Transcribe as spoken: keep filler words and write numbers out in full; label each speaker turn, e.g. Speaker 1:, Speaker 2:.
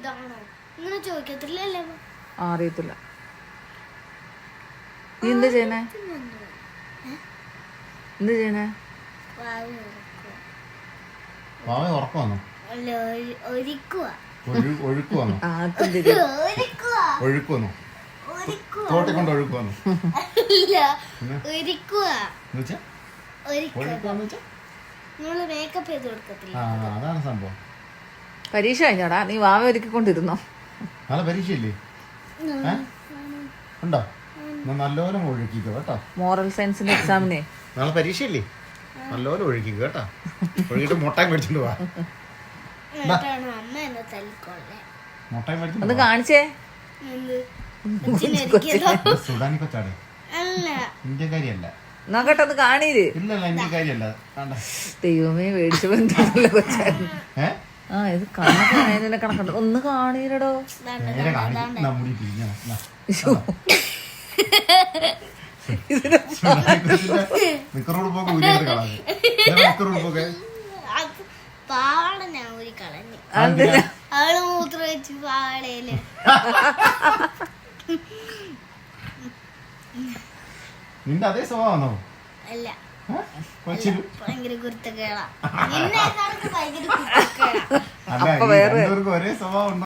Speaker 1: അറിയത്തില്ല. നീ എന്താ ചെയ്യണേ? എന്താ ചെയ്യണേ?
Speaker 2: ഉറക്കുവാന്നോ? ഒഴുക്കുവാന്നോ? തോട്ടി കൊണ്ട് ഒഴുക്കുവാന്നോ? അതാണ് സംഭവം.
Speaker 1: പരീക്ഷ കഴിഞ്ഞോടാ? നീ വാവ ഒരുക്കിക്കൊണ്ടിരുന്നോ?
Speaker 2: നാളെ പരീക്ഷയില്ലേ? ഉണ്ടോ? നല്ലപോലെ ഒഴുക്കിക്കോ കേട്ടോ.
Speaker 1: മോറൽ സയൻസിന്റെ എക്സാമിനെ
Speaker 2: നാളെ പരീക്ഷയില്ലേ? നല്ലപോലെ ഒഴുക്കിക്കോ കേട്ടോ. ഒഴുകിട്ട് മുട്ടായി മേടിച്ചോണ്ട് പോവാ. മുട്ടായി മേടിച്ചു
Speaker 1: ഒന്ന് കാണിച്ചേ.
Speaker 2: സുഡാനി കൊച്ചാടെ ഇന്ത്യക്കാരിയല്ല.
Speaker 1: നോക്കട്ടെ ഒന്ന് കാണീര്.
Speaker 2: ഇല്ലല്ല ഇന്ത്യക്കാരിയല്ല.
Speaker 1: ദൈവമേ മേടിച്ചു ബന്ധമല്ല കൊച്ചായിരുന്നു. ആ ഇത് കണക്കായതിന്റെ കണക്കുണ്ട്. ഒന്ന് കാണീരടോ.
Speaker 2: നിക്കറോട് പോക്ക് നിക്കറോട് പോക്കെ
Speaker 3: പാവാട ഞാൻ ഊരി കളഞ്ഞു. അവള് മൂത്ര വെച്ച് പാവാടയില്.
Speaker 2: നിന്റെ അതേ സ്വഭാവമാണോ?
Speaker 3: അല്ല,
Speaker 2: ഭയങ്കര
Speaker 3: കുരുത്തക്കേടാ. ഭയങ്കര കുരുത്തക്കേടാ.
Speaker 2: ഒരേ സ്വഭാവം.